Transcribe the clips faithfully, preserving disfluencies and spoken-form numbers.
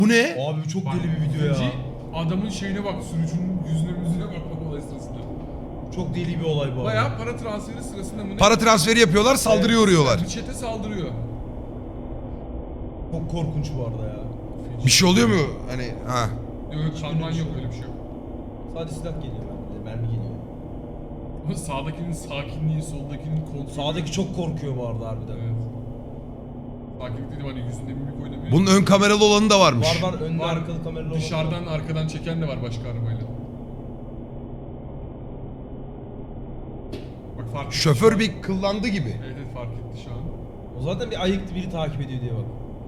Bu ne? Abi çok Bak, deli bir video ya. ikinci, adamın şeyine bak, sürücünün yüzüne yüzüne bak olay sırasında. Çok deli bir olay bu. Bayağı para transferi sırasında mı ne? Para transferi yapıyorlar, saldırıya Evet, uğruyorlar. Bir çete saldırıyor. Çok korkunç bu arada ya. Bir şey oluyor mu? Hani ha. Yok yok, kanman yok, öyle bir şey yok. Sadece silah geliyor bende. Mermi geliyor. Ama sağdakinin sakinliği, soldakinin kontrolü. Sağdaki çok korkuyor bu arada harbiden. Evet. Sakinlik dedim, hani yüzünde mimik oynamıyor. Bunun ön kameralı olanı da varmış. Var var önde Var, arkalı kameralı olan dışarıdan var. arkadan çeken de var başka arabayla. Bak fark etti Şoför şu an. bir kıllandı gibi. Evet evet, fark etti şu an. O zaten bir ayıktı, biri takip ediyor diye bak.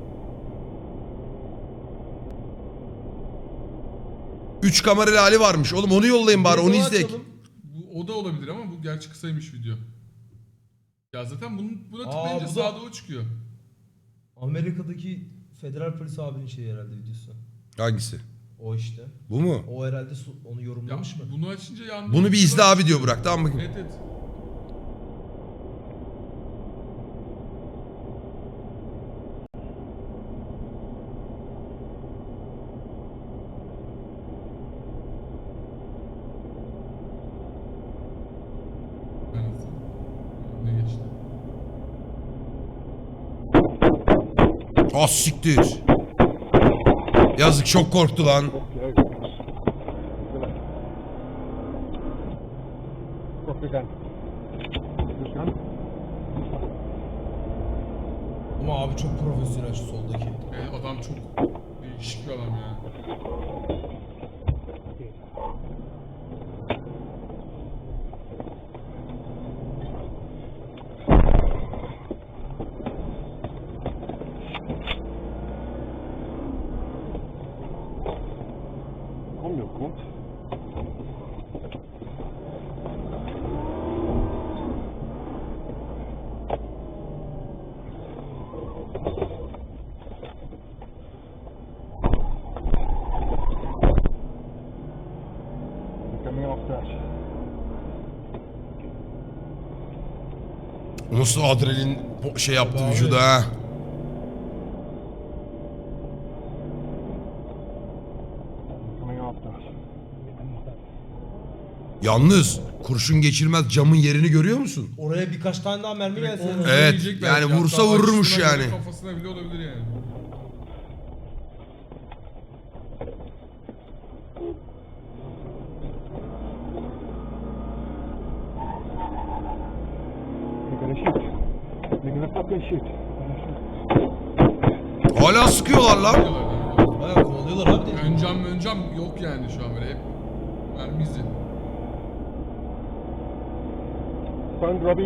Üç kameralı hali varmış. Oğlum onu yollayın bari, onu Videoyu izleyek. açalım. Bu, o da olabilir ama bu gerçi kısaymış video. Ya zaten bunun, buna tıklayınca bu da- sağda o çıkıyor. Amerika'daki federal polis abinin şeyi herhalde videosu. Hangisi? O işte. Bu mu? O herhalde su- onu Ya yorumlamış mı? bunu açınca yandı. Bunu bir izle abi diyor Burak, tamam mı? Evet evet. Evet. Ne geçti? Ah siktir. Yazık, çok korktu lan. Ama abi çok profesyonel şu soldaki. Evet, adam çok değişik bir adam ya. Kom nu, kom. Coming off dash. Nasıl adrenalin po- şey yaptı Abi. vücuda ha. Coming off dash. Yalnız kurşun geçirmez camın yerini görüyor musun? Oraya birkaç tane daha mermi gelse. Omzuna Evet, yiyecek yani belki. vursa Hatta vururmuş açısından yani. bile Kafasına bile olabilir yani. They're gonna shoot. They're gonna fucking shoot. Hala sıkıyorlar lan. Diyorlar yani. Bayağı kovalıyorlar abi de. Ön cam ön cam yok yani şu an böyle hep mermi izi. Found Robbie.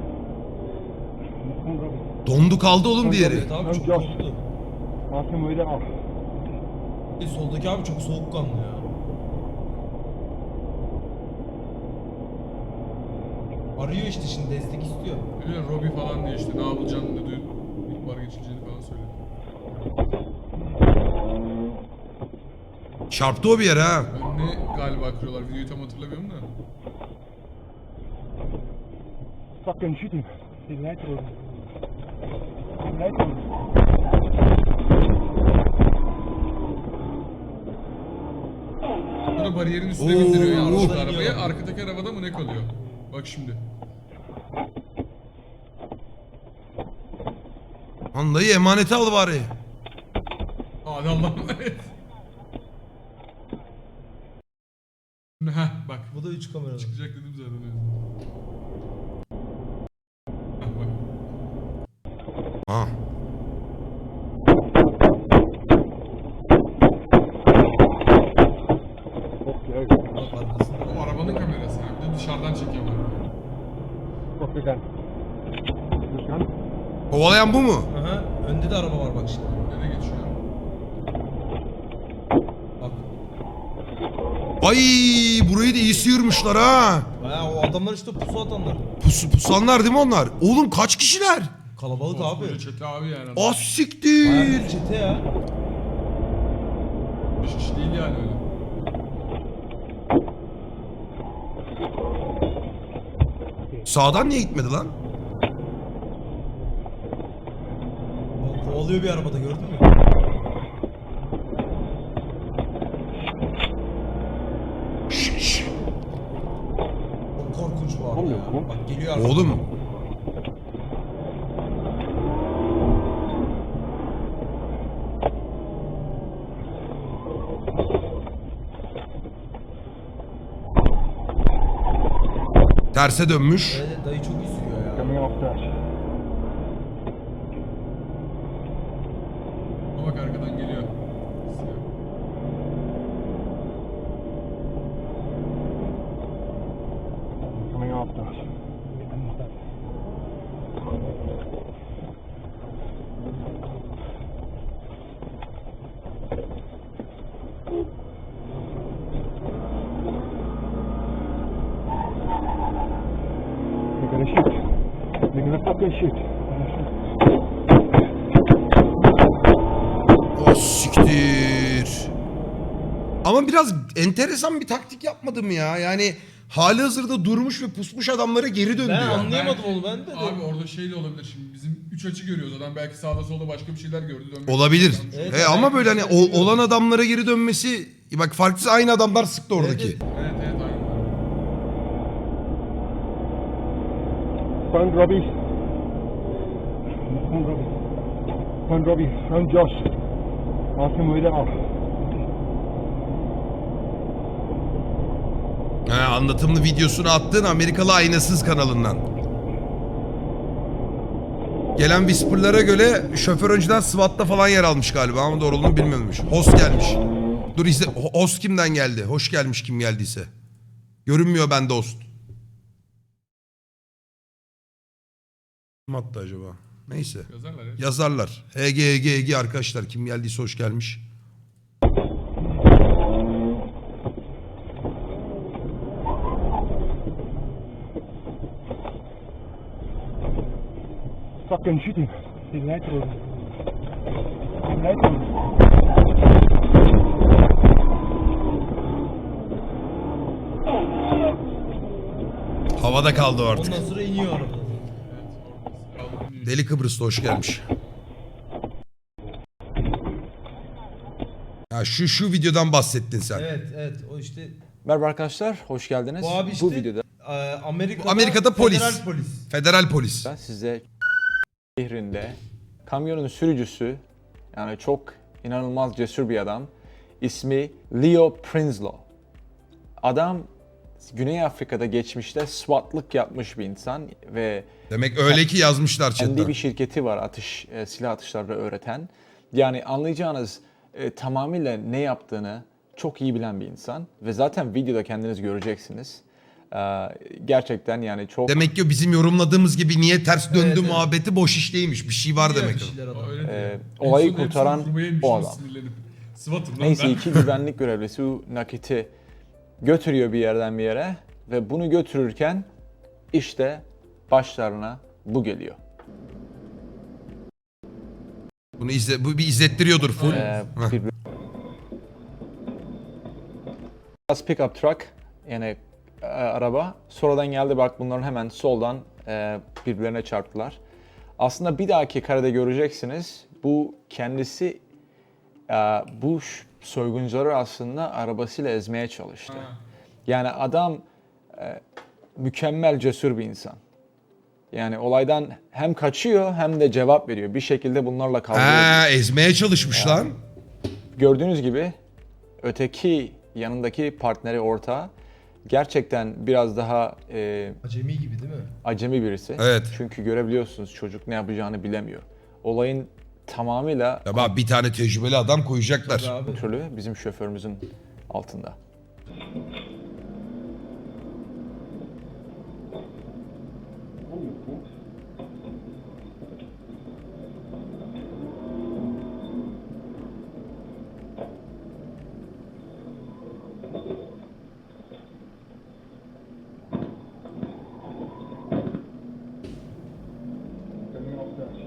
Found Robbie. Dondu kaldı oğlum diğeri. Evet abi çok Josh. korktu. Mark him way off. E, soldaki abi çok soğukkanlı ya. Arıyor işte şimdi, destek istiyor. Öyle Robbie falan diye işte ne yapacağını dedi. İhbar geçileceğini falan söyledi. Çarptı o bir yere ha. Önüne galiba kırıyorlar. Videoyu tam hatırlamıyorum da. Fucking shoot him. He's right through. He's right through. Sonra bariyerin üstüne Oo, bindiriyor ya oo. arka arabaya. Arkadaki arabada mı ne kalıyor? Bak şimdi. Lan dayı emaneti al bari. Hadi Allah'ım evet. Heh bak. Bu da üç kameralı. Çıkacak dedim zaten öyle. Heh bak. Ha. Okay. Bak arkasında. O arabanın kamerası. Yani. Bir de dışarıdan çekiyor bak. Fuck the gun. This gun? Kovalayan bu mu? Aha, önde de araba var bak şimdi. Nereye geçiyor? Bak. Ay burayı da iyi sıyırmışlar ha. Bayağı o adamlar işte pusu atanlar. Pus, pusanlar değil mi onlar? Oğlum kaç kişiler? Kalabalık abi. Koskoca çete abi yani. Az siktir. Bayağı bir çete ya. Beş kişi değil yani öyle. Sağdan niye gitmedi lan? O kovalıyor bir arabada, gördün mü? kommt. Bak geliyor artık. Oğlum. Terse dönmüş. Evet, dayı çok iyi sürüyor ya. Coming off dash. Ama bak arkadan geliyor. Coming off dash. They're gonna shoot. They're gonna fucking shoot. O siktir. Ama biraz enteresan bir taktik yapmadım ya. Yani hali hazırda durmuş ve pusmuş adamlara geri döndü Ben ya. anlayamadım Belki- onu ben de. Abi orada şey de olabilir şimdi. Bizim üç açı görüyoruz adam. Belki sağda solda başka bir şeyler gördü. dönmek Olabilir. istiyor. Evet, E, evet. ama böyle hani ol- olan adamlara geri dönmesi... Bak farklısı aynı adamlar sıktı oradaki. Evet, Evet evet aynen. Found Robbie. Found Robbie. Found Robbie. Found Josh. Ask him where they are. He, anlatımlı videosunu attığın Amerikalı Aynasız kanalından. Gelen whisperlara göre şoför önceden SWAT'ta falan yer almış galiba ama doğruluğunu bilmiyormuş. Host gelmiş. Dur izle. Ho- Host kimden geldi? Hoş gelmiş kim geldiyse. Görünmüyor bende host. Kim attı acaba? Neyse. Yazarlar ya. Yazarlar. H G H G H G arkadaşlar kim geldiyse hoş gelmiş. Fucking shoot him. He's light rolling. He's light rolling. Havada kaldı o artık. Ondan sonra iniyor araba. Deli Kıbrıs'ta hoş gelmiş. Ha şu şu videodan bahsettin sen. Evet evet o işte Merhaba arkadaşlar, hoş geldiniz. bu abi işte Bu videoda e, Amerika'da, Amerika'da polis. federal polis. Federal polis. size şehrinde kamyonun sürücüsü, yani çok inanılmaz cesur bir adam. İsmi Leo Prinsloo. Adam Güney Afrika'da geçmişte SWAT'lık yapmış bir insan ve Demek öyle ki yazmışlar kendi chatten. bir şirketi var atış, e, silah atışları öğreten. Yani anlayacağınız e, tamamıyla ne yaptığını çok iyi bilen bir insan. Ve zaten videoda kendiniz göreceksiniz. Ee, gerçekten yani çok... Demek ki bizim yorumladığımız gibi niye ters döndü Evet, evet. muhabbeti boş iş değilmiş. Bir şey var Biliyor demek. bir şeyler adam. O öyle diyor. Ee, En olayı son hepsini kurtaran vurmaya yemiş, o nasıl adam. sinirlenip. SWAT'ım lan Neyse ben. iki güvenlik görevlisi bu nakiti götürüyor bir yerden bir yere. Ve bunu götürürken işte başlarına bu geliyor. Bunu izle, bu bir izlettiriyordur full. Ee, Heh. bir Biraz pick-up truck yani e, araba sonradan geldi, bak bunların hemen soldan e, birbirlerine çarptılar. Aslında bir dahaki karede göreceksiniz, bu kendisi e, bu ş- soyguncuları aslında arabasıyla ezmeye çalıştı. Ha. Yani adam e, mükemmel cesur bir insan. Yani olaydan hem kaçıyor hem de cevap veriyor. Bir şekilde bunlarla kavga ediyor. Ha, ezmeye çalışmış lan. Gördüğünüz gibi öteki yanındaki partneri ortağı gerçekten biraz daha e, Acemi gibi değil mi? acemi birisi. Evet. Çünkü görebiliyorsunuz çocuk ne yapacağını bilemiyor. Olayın tamamıyla Ya bak bir tane tecrübeli adam koyacaklar. Tabii abi. kontrolü bizim şoförümüzün altında. Coming off dash.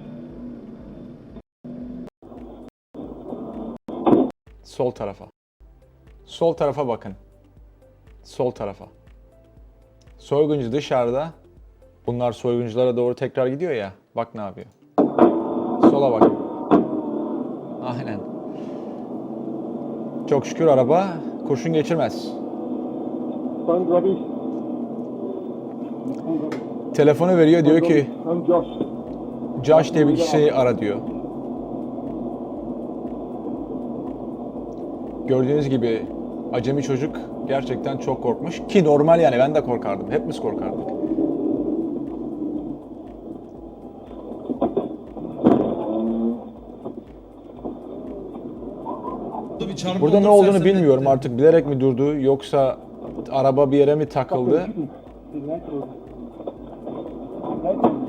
Sol tarafa. Sol tarafa bakın. Sol tarafa. Soyguncu dışarıda. Bunlar soygunculara doğru tekrar gidiyor ya. Bak ne yapıyor. Sola bak. Aynen. Çok şükür araba kurşun geçirmez. Found Robbie. Found Robbie. Telefonu veriyor, diyor ki I'm Josh. Josh diye bir kişiyi ara diyor. Gördüğünüz gibi acemi çocuk gerçekten çok korkmuş ki normal, yani ben de korkardım. Hepimiz korkardık. Burada bir çarpma Burada ne oldu, olduğunu sersemletti. bilmiyorum, artık bilerek mi durdu yoksa araba bir yere mi takıldı? Shooting. The light road. Light road.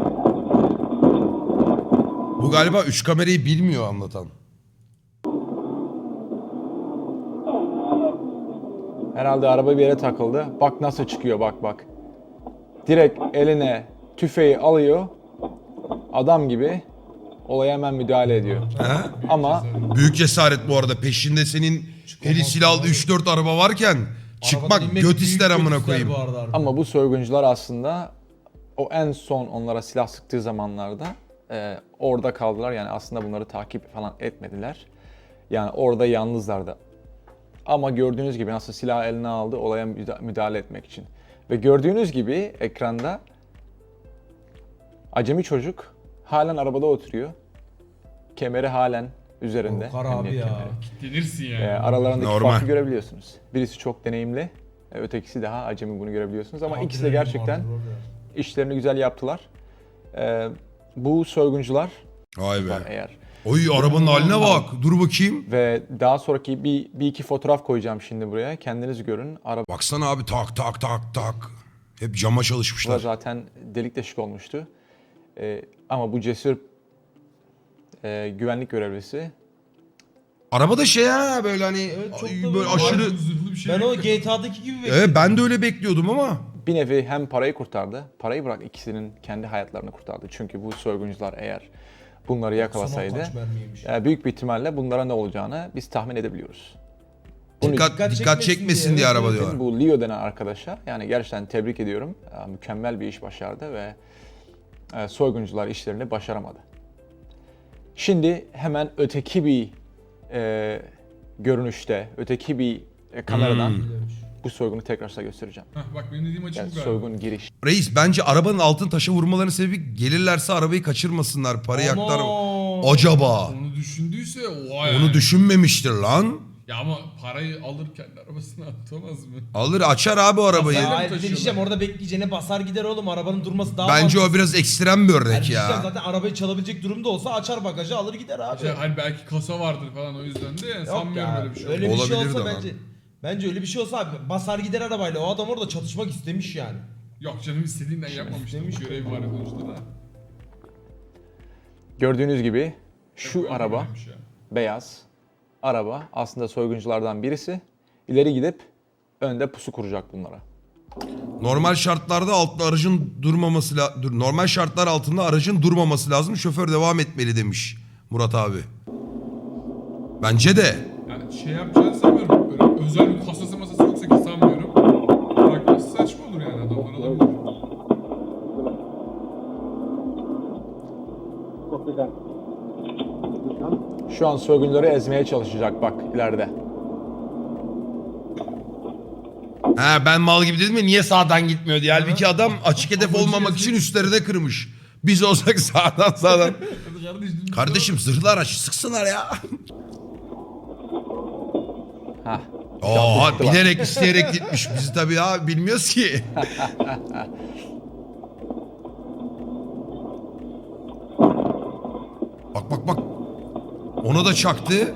Bu galiba üç kamerayı bilmiyor anlatan. Herhalde araba bir yere takıldı. Bak nasıl çıkıyor, bak bak. Direkt eline tüfeği alıyor. Adam gibi olaya hemen müdahale ediyor. He? Ama Büyük cesaret bu arada. Peşinde senin eli silahlı üç dört araba varken çıkmak Arabadan inmek göt büyük ister göt amına ister koyayım. bu arada harbiden. ama bu soyguncular aslında o en son onlara silah sıktığı zamanlarda e, orada kaldılar. Yani aslında bunları takip falan etmediler. Yani orada yalnızlardı. Ama gördüğünüz gibi nasıl silah eline aldı olaya müda- müdahale etmek için. Ve gördüğünüz gibi ekranda acemi çocuk halen arabada oturuyor. Kemeri halen üzerinde. Korkar abi emniyet ya. kemeri. Denirsin yani. E, aralarındaki Normal. farkı görebiliyorsunuz. Birisi çok deneyimli, e, ötekisi daha acemi, bunu görebiliyorsunuz. Ama ikisi de Adrenalin gerçekten vardır orada. işlerini güzel yaptılar. E, bu soyguncular Vay be. var eğer. Oy arabanın haline bak. Dur bakayım. Ve daha sonraki bir, bir iki fotoğraf koyacağım şimdi buraya. Kendiniz görün. Araba Baksana abi tak tak tak tak. Hep cama çalışmışlar. zaten delik deşik olmuştu. E, ama bu cesur e, güvenlik görevlisi Araba da şey ha böyle hani Evet, çok da ay, böyle böyle aşırı. Harbiden zırhlı bir şey. Ben o hakikaten. G T A'daki gibi bekliyorum. Evet ben de öyle bekliyordum ama. bir nevi hem parayı kurtardı. Parayı bırak, ikisinin kendi hayatlarını kurtardı. Çünkü bu soyguncular eğer bunları yakalasaydı Kaç mermiymiş. e, büyük bir ihtimalle bunlara ne olacağını biz tahmin edebiliyoruz. Bunun Dikkat, dikkat dikkat çekmesin çekmesin diye, diye evet, araba evet. diyorlar. Bu Leo denen arkadaşa yani gerçekten tebrik ediyorum. E, Mükemmel bir iş başardı ve e, soyguncular işlerini başaramadı. Şimdi hemen öteki bir e, görünüşte, öteki bir e, kameradan Hmm. bu soygunu tekrar size göstereceğim. Heh, bak benim dediğim açı Yani bu galiba. soygun giriş. Reis bence arabanın altın taşa vurmalarının sebebi gelirlerse arabayı kaçırmasınlar. Parayı yaklar. Ana! Acaba. Onu düşündüyse o yani. Onu düşünmemiştir lan. Ya ama parayı alır kendi arabasına atamaz mı? Alır açar abi o arabayı. Basar. Hayır bir de taşıyorlar. diyeceğim, orada bekleyeceğine basar gider oğlum, arabanın durması daha Bence o mantıklı. biraz ekstrem bir Yani örnek diyeceğim, ya. zaten arabayı çalabilecek durumda olsa açar bagajı alır gider abi. İşte hani belki kasa vardır falan o yüzden de yani Yok sanmıyorum ya, öyle bir şey. öyle olduğunu. bir şey Olabilir olsa de lan. bence bence öyle bir şey olsa abi basar gider arabayla, o adam orada çatışmak istemiş yani. Yok canım istediğinden yapmamıştır. istemiş Bu görev var sonuçta da. Gördüğünüz gibi şu Yok, araba, öyleymiş ya. beyaz araba aslında soygunculardan birisi. İleri gidip önde pusu kuracak bunlara. Normal şartlarda altta aracın durmaması la- dur normal şartlar altında aracın durmaması lazım. Şoför devam etmeli demiş Murat abi. Bence de. Yani şey yapacağını sanmıyorum. Böyle özel bir kasası masası yoksa ki sanmıyorum. Bırakması saçma olur yani adamlar alabilir. Copy that. Şu an soyguncuları ezmeye çalışacak bak ileride. Ha ben mal gibi dedim ya niye sağdan gitmiyor diye. Halbuki adam açık hedef Amacı olmamak yazık. için üstlerine kırmış. Biz olsak sağdan sağdan. Kardeşim, Kardeşim zırhlı araç sıksınlar ya. Hah. Oha bilerek isteyerek gitmiş. Biz tabii ya bilmiyoruz ki. Bak bak bak. Ona da çaktı.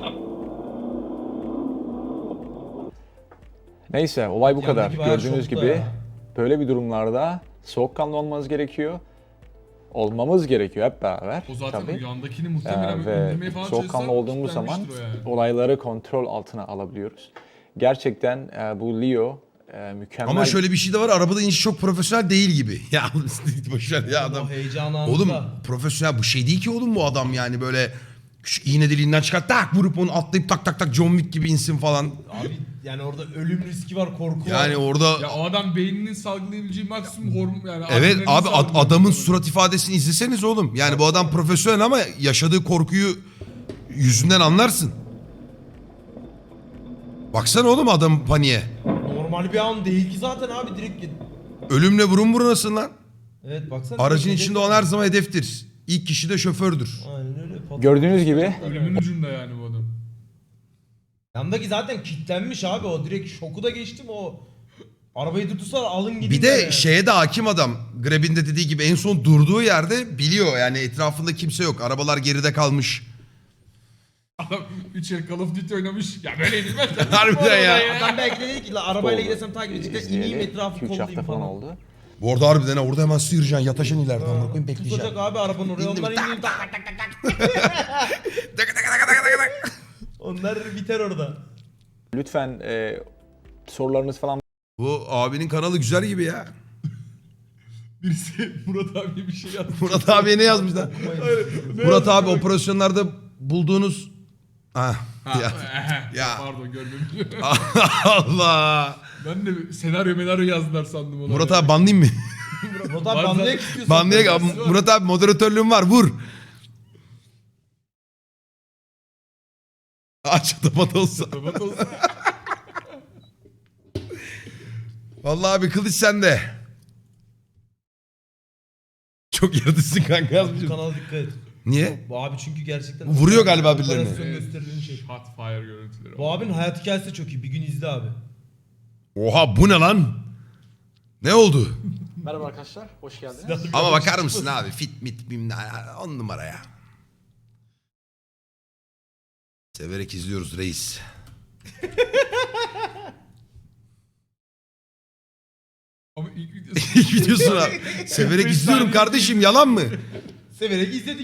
Neyse olay bu Yandaki kadar. bayağı Gördüğünüz şokta gibi ya. böyle bir durumlarda soğukkanlı olmanız gerekiyor. Olmamız gerekiyor hep beraber. O zaten tabii. yandakini Ee, muhtemelen ve indirmeye falan soğukkanlı çalışsa olduğumuz zaman kitlenmiştir o yani. olayları kontrol altına alabiliyoruz. Gerçekten e, bu Leo e, mükemmel. Ama şöyle bir şey de var. Arabada iniş çok profesyonel değil gibi. Ya boşver ya adam. O heyecan anında. Oğlum profesyonel bu şey değil ki oğlum bu adam yani böyle şu iğne deliğinden çıkar tak vurup onu atlayıp tak tak tak John Wick gibi insin falan. Abi yani orada ölüm riski var, korku Yani var. orada Ya o adam beyninin salgılayabileceği maksimum hormon yani. evet adrenalin abi ad- salgılıyor. adamın surat ifadesini izleseniz oğlum. Yani bu adam profesyonel ama yaşadığı korkuyu yüzünden anlarsın. Baksana oğlum adam paniğe. Normal bir an değil ki zaten abi, direkt Ölümle burun burunasın lan. Evet baksana. Aracın Hedef- içinde olan her zaman hedeftir. İlk kişi de şofördür. Aynen öyle. Patron- Gördüğünüz gibi Ölümün ucunda yani bu adam. Yandaki zaten kilitlenmiş abi o direkt şoku da geçtim o. Arabayı tutursa alın gidin. Bir de yani. şeye de hakim adam. Grab'in de dediği gibi en son durduğu yerde biliyor. Yani etrafında kimse yok. Arabalar geride kalmış. Adam üç el Call of Duty oynamış. Ya böyle edilmez. Harbiden ya. Adam belki de dedi ki "La, arabayla oldu. gidersem takip edecekler ineyim İzleyeli etrafı iki üç hafta kollayayım falan falan. oldu. Bu arada harbiden ha, orada hemen sıyıracaksın. Yataşın ileride. Amına koyayım Tutacak bekleyeceksin. abi arabanın oraya İndim, onlar tak. ineyim tak tak tak tak tak. Tık tık tık tık tık tık. Onlar biter orada. Lütfen e, sorularınız falan Bu abinin kanalı güzel gibi ya. Birisi Murat abiye bir şey yazmış. Murat abiye ne yazmışlar? Murat abi operasyonlarda bulduğunuz... Ah, Ha, ya. ya. Ya. Pardon görmemişim. Allah. Ben de senaryo menaryo yazdılar sandım onu. Murat abi banlayayım mı? Murat abi Var banlayak zaten. istiyorsun. Banlaya Murat abi moderatörlüğüm var vur. Aç tapat olsa. Kapat olsun. Vallahi abi kılıç sende. Çok yaratıcısın kanka Bu yazmışım. kanala dikkat et. Niye? Bu abi çünkü gerçekten... Vuruyor galiba birilerini. Operasyon gösterilen şey. Hot fire görüntüleri. Bu abinin hayat hikayesi de çok iyi. Bir gün izle abi. Oha bu ne lan? Ne oldu? Merhaba arkadaşlar, hoş geldiniz. Ama bakar mısın abi fit mit bilmem ne on numara ya. Severek izliyoruz reis. Ama ilk videosu İlk videosunu abi. Severek izliyorum kardeşim yalan mı? Severek izledik.